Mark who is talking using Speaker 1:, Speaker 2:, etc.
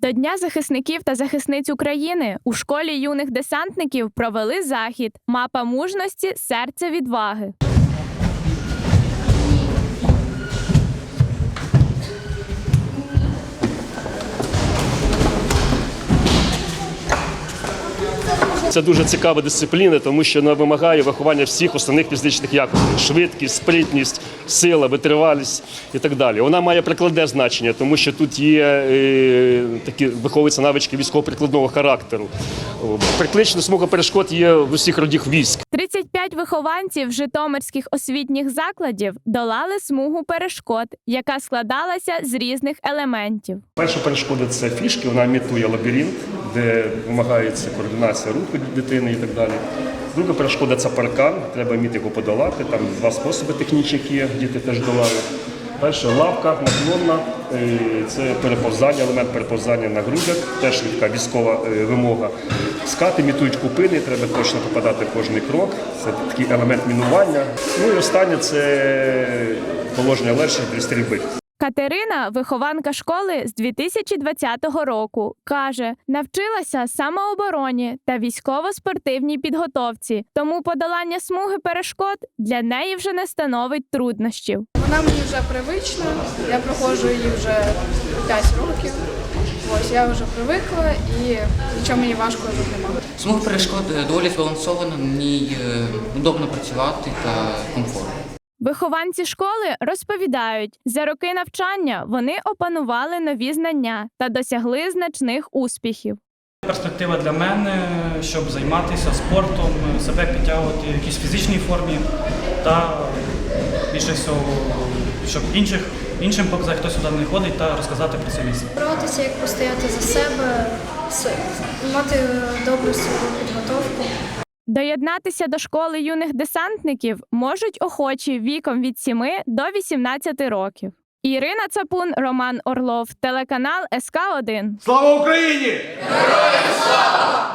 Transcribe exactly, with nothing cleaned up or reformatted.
Speaker 1: До Дня захисників та захисниць України у школі юних десантників провели захід «Мапа мужності. Серце відваги».
Speaker 2: Це дуже цікава дисципліна, тому що вона вимагає виховання всіх основних фізичних якостей – швидкість, спритність, сила, витривалість і так далі. Вона має прикладне значення, тому що тут є е, такі виховуються навички військово-прикладного характеру. Приклична смуга перешкод є в усіх родах військ.
Speaker 1: тридцять п'ять вихованців житомирських освітніх закладів долали смугу перешкод, яка складалася з різних елементів.
Speaker 2: Перша перешкода – це фішки, вона імітує лабіринт, де вимагається координація руху дитини і так далі. Друга перешкода – це паркан, треба вміти його подолати, там два способи технічні, які діти теж долають. Перша лавка наклонна, це переповзання, елемент переповзання на грудях, теж така військова вимога. Скати імітують купини, треба точно попадати в кожний крок, це такий елемент мінування. Ну і останнє – це положення лежачи для стрільби.
Speaker 1: Катерина, вихованка школи з дві тисячі двадцятого року, каже, навчилася самообороні та військово-спортивній підготовці, тому подолання смуги перешкод для неї вже не становить труднощів.
Speaker 3: Вона мені вже привична, я проходжу її вже п'ять років. Ось я вже привикла і нічого мені важко тут немає.
Speaker 4: Смуга перешкод доволі збалансована, на ній удобно працювати та комфортно.
Speaker 1: Вихованці школи розповідають, за роки навчання вони опанували нові знання та досягли значних успіхів.
Speaker 5: Перспектива для мене, щоб займатися спортом, себе підтягувати в якійсь фізичній формі та більше всього, щоб інших, іншим показати, хто сюди не ходить, та розказати про це місце.
Speaker 6: Боротися, як постояти за себе, мати добру свою підготовку.
Speaker 1: Доєднатися до школи юних десантників можуть охочі віком від сіми до вісімнадцяти років. Ірина Цапун, Роман Орлов, телеканал ес ка один.
Speaker 7: Слава Україні! Героям слава!